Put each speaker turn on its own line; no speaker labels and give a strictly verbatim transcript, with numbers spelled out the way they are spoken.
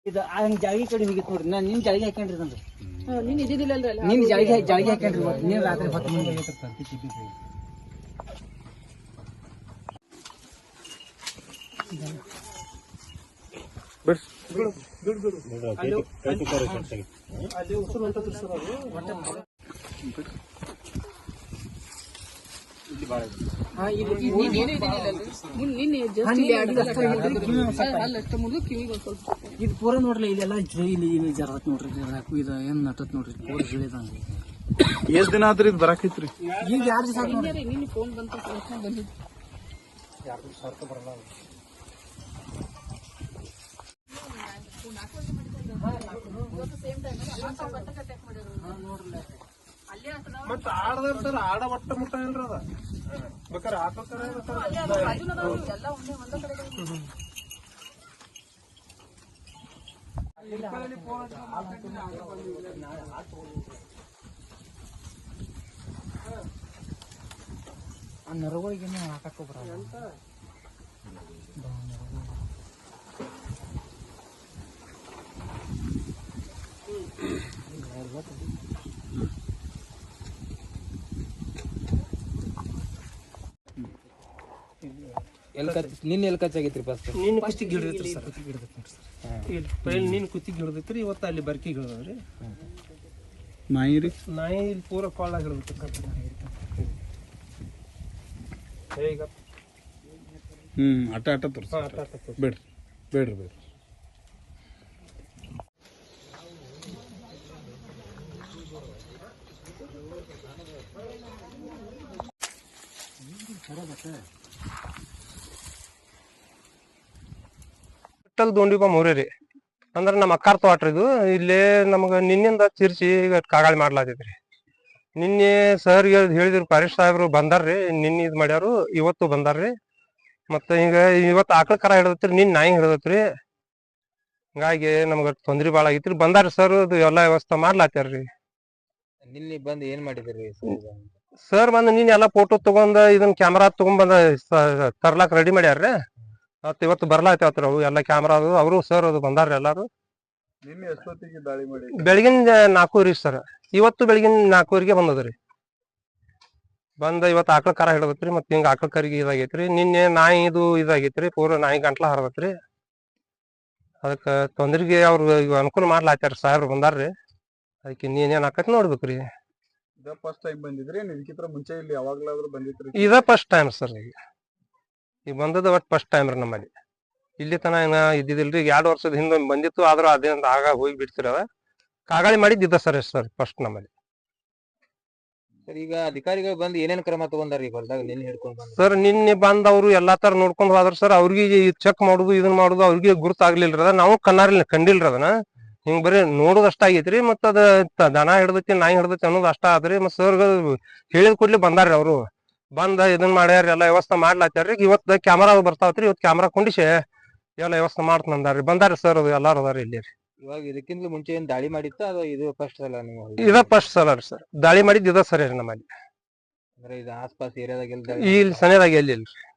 ಇದು ಹಂಗ ಜಾಳಿಗೆ ಕಡೆ ಹೋಗಿತ್ತು ನೋಡ್ರಿ ನಾನು ನಿನ್ ಜಾಳಿಗೆ ಹಾಕೊಂಡ್ರಿ ನಂದು
ನೀನ್ ಇದ್ದಿದ್ದಿಲ್ಲಲ್ರಿ
ನಿನ್ ಜಾಳಿಗೆ ಜಾಳಿಗೆ ಹಾಕೊಂಡ್ರಿ ಇವತ್ತು ನೀನ್ ರಾತ್ರಿ ಹೊತ್ತು ಮುಂದೆ ಅಲ್ಲಿ ಉಸಿರು ಹೊಂಟದ್ರಿ ಸರ್ ಅದು ಇದು ಪೂರ ನೋಡ್ರಿ ಇಲ್ಲೆಲ್ಲ ಇಲ್ಲಿ ಇಲ್ಲಿ ಜರತ್ ನೋಡ್ರಿ ಇದು ಏನ್ ನಟತ್ ನೋಡ್ರಿ ಪೂರ ಗಿಳಿದಂಗ
ಎಷ್ಟ್ ದಿನ ಆದ್ರಿ ಇದು ಬರಾಕೈತ್ರಿ
ಈಗ ಯಾರು ದಿವಸ
ನಿನ್ನ ಫೋನ್ ಬಂತು ಬಂದಿದ್ದು
ಎರಡು ಸಾವಿರ ರೂಪಾಯಿ ಬರಲ್ಲ
ಮತ್ತ ಆಡದಾರ ಸರ್ ಆಡ ಒಟ್ಟ ಮುಟ್ಟ ಇಲ್ರಿ ಅದ ಬೇಕಾರೆ ಹಾಕೋತಾರ
ಆ ನರಗಳಿಗೆ ಹಾಕಕ್ಕೆ ಬರಲ್ಲ
ನಿನ್ನೆ ಎಲ್ಲಿ ಕಚ್ಚಾಗೈತ್ರಿ ಫಸ್ಟ್
ನಿನ್ನ ಕುತ್ತಿಗೆ ಹಿಡಿದೈತ್ರಿ ಸರ್ ಪೈಲ್ ನಿನ್ನ ಕುತ್ತಿಗೆ ಹಿಡಿದೈತ್ರಿ ಇವತ್ತು ಅಲ್ಲಿ ಬರ್ಕಿಗೆ ಹಿಡಿದ್ರಿ
ನಾಯಿ ರೀ
ನಾಯಿ ಇಲ್ಲಿ ಪೂರ ಕೊಳ್ಳಾಗ ಹಿಡಿದೈತ್ರಿ ಈಗ
ಹ್ಮ್ ಆಟ ಆಟ ತೋರ್ಸ
ಹಾಂ ಆಟ ಆಟ
ಬೇಡ್ರಿ ಬೇಡ್ರಿ ಬೇಡ್ರಿ
ದೋಂಡಿಬ ಮೂರೇ ರೀ ಅಂದ್ರೆ ನಮ್ಮ ಅಕ್ಕಾರ್ ತೋಟ್ರಿ ಇದು ಇಲ್ಲೇ ನಮಗ ನಿನ್ನಿಂದ ಚಿರ್ಚಿ ಈಗ ಕಾಗಾಳಿ ಮಾಡ್ಲಾತೈತ್ರಿ ನಿನ್ನೆ ಸರ್ ಹೇಳಿದ್ರು ಪಾರಿಶ್ ಸಾಹೇಬ್ರು ಬಂದಾರ್ರಿ ನಿನ್ನೆ ಇದು ಮಾಡ್ಯಾರು ಇವತ್ತು ಬಂದಾರ್ರಿ ಮತ್ತೆ ಈಗ ಇವತ್ತು ಆಕಳ ಕರ ಹಿಡದತ್ರಿ ನಿನ್ ನಾಯಿ ಹಿಡದತ್ರಿ ಹಿಂಗಾಗಿ ನಮ್ಗ ತೊಂದ್ರೆ ಭಾಳ ಆಗೈತ್ರಿ ಬಂದಾರ್ರಿ ಸರ್ ಅದು ಎಲ್ಲಾ ವ್ಯವಸ್ಥೆ ಮಾಡ್ಲಾತ್ಯಾರ್ರಿ
ನಿನ್ನೆ ಬಂದು ಏನ್ ಮಾಡಿದ್ರಿ
ಸರ್ ಬಂದ್ ನಿನ್ ಎಲ್ಲಾ ಫೋಟೋ ತಗೊಂಡ್ ಇದನ್ನ ಕ್ಯಾಮ್ರಾ ತಗೊಂಡ್ ಬಂದ ತರ್ಲಾಕ್ ರೆಡಿ ಮಾಡ್ಯಾರ್ರಿ ಮತ್ ಇವತ್ತು ಬರ್ಲಾತೇವತ್ರಿ ಅವು ಎಲ್ಲಾ ಕ್ಯಾಮ್ರಾ ಅದು ಅವರು ಸರ್ ಅದು ಬಂದಾರ್ರಿ ಎಲ್ಲಾರು
ನಿನ್ನೆ ಎಷ್ಟೊತ್ತಿಗೆ ದಾಳಿ ಮಾಡಿ
ಬೆಳಗಿನ ನಾಲ್ಕೂವರೆ ಸರ್ ಇವತ್ತು ಬೆಳಗಿನ ನಾಲ್ಕೂವರೆಗೆ ಬಂದದ್ರಿ ಬಂದ ಇವತ್ತು ಆಕಳ ಕರ ಹಿಡದತ್ರಿ ಮತ್ ಹಿಂಗ ಆಕಳ ಕರಿಗೆ ಇದಾಗೈತ್ರಿ ನಿನ್ನೆ ನಾಯಿ ಇದು ಇದಾಗೈತ್ರಿ ಪೂರ ನಾಯಿ ಗಂಟ್ಲ ಹರದತ್ರಿ ಅದಕ್ಕ ತೊಂದ್ರಿಗೆ ಅವ್ರು ಅನುಕೂಲ ಮಾಡ್ಲಾತ್ಯಾರ ಸಾಹೇಬ್ರು ಬಂದಾರ್ರಿ ಅದಕ್ಕೆ ನೀನೇನ್ ಆಕತ್ ನೋಡ್ಬೇಕ್ರಿ
ಇದ ಫಸ್ಟ್ ಟೈಮ್ ಬಂದಿದ್ರಿ ಇದಕ್ಕಿಂತ ಮುಂಚೆ ಇಲ್ಲಿ ಯಾವಾಗ್ಲಾದ್ರೂ ಬಂದಿದ್ರಿ
ಇದ ಫಸ್ಟ್ ಟೈಮ್ ಸರ್ ಈಗ ಈಗ ಬಂದದ ಒಟ್ ಫಸ್ಟ್ ಟೈಮ್ ರೀ ನಮ್ಮಲ್ಲಿ ಇಲ್ಲಿ ತನ ಏನ ಇದ್ದಿದಿಲ್ರಿ ಎರಡ್ ವರ್ಷದ ಹಿಂದೆ ಬಂದಿತ್ತು ಆದ್ರೂ ಅದೇನ್ ಆಗ ಹೋಗಿ ಬಿಡ್ತಿರ ಕಾಗಾಳಿ ಮಾಡಿದ್ದ ಸರ್ ಸರ್ ಫಸ್ಟ್ ನಮ್ಮಲ್ಲಿ
ಸರ್ ಈಗ ಅಧಿಕಾರಿಗಳು ಬಂದು ಏನೇನ್ ಕ್ರಮ ತಗೊಂಡಾರ ಈಗ ಹೊಲದಾಗ ನಿನ್ನೆ ಹಿಡ್ಕೊಂಡ್ ಬಂದ
ಸರ್ ನಿನ್ನೆ ಬಂದ್ ಅವ್ರು ಎಲ್ಲಾ ತರ ನೋಡ್ಕೊಂಡ್ ಹೋದ್ರ ಸರ್ ಅವ್ರಿಗೆ ಚೆಕ್ ಮಾಡುದು ಇದನ್ ಮಾಡುದು ಅವ್ರಿಗೆ ಗುರುತಾಗ್ಲಿಲ್ರಿ ಅದ ನಾವು ಕಣ್ಣಾರಿ ಕಂಡಿಲ್ರಿ ಅದನ್ನ ಹಿಂಗ್ ಬರೀ ನೋಡುದ್ ಅಷ್ಟ ಆಗೈತ್ರಿ ಮತ್ತ ಅದ ದನ ಹಿಡ್ದೈತಿ ನಾಯಿ ಹಿಡ್ದೈತಿ ಅನ್ನೋದು ಅಷ್ಟ ಆದ್ರಿ ಮತ್ ಸರ್ ಹೇಳಿದ ಕೂಡ್ಲಿ ಬಂದಾರ್ರಿ ಅವ್ರು ಬಂದ ಇದನ್ ಮಾಡ್ಯಾರ ಎಲ್ಲಾ ವ್ಯವಸ್ಥೆ ಮಾಡ್ಲಾತ್ಯಾರ್ರಿ ಇವತ್ತು ಕ್ಯಾಮರಾ ಬರ್ತಾವತ್ರಿ ಇವತ್ತು ಕ್ಯಾಮರಾ ಕೊಂಡಿಸಿ ಎಲ್ಲ ವ್ಯವಸ್ಥೆ ಮಾಡ್ತಂದಾರ್ರಿ ಬಂದಾರ್ರಿ ಸರ್ ಅದು ಎಲ್ಲಾರು ಅದಾರಿ ಇಲ್ಲಿ
ಇವಾಗ ಇದಕ್ಕಿಂತ ಮುಂಚೆ ಏನ್ ದಾಳಿ ಮಾಡಿತ್ತ ಅದು ಇದು ಫಸ್ಟ್ ಸಲ ನೀವು
ಇದ ಫಸ್ಟ್ ಸಲ ರೀ ಸರ್ ದಾಳಿ ಮಾಡಿದ್ ಇದ ಸರಿ ನಮ್ಮಲ್ಲಿ
ಅಂದ್ರೆ ಇದು ಆಸ್ಪಾಸ್ ಏರಿಯಾದಾಗ
ಇಲ್ಲಿ ಸನೇದಾಗ ಎಲ್ಲಿ ಇಲ್ರಿ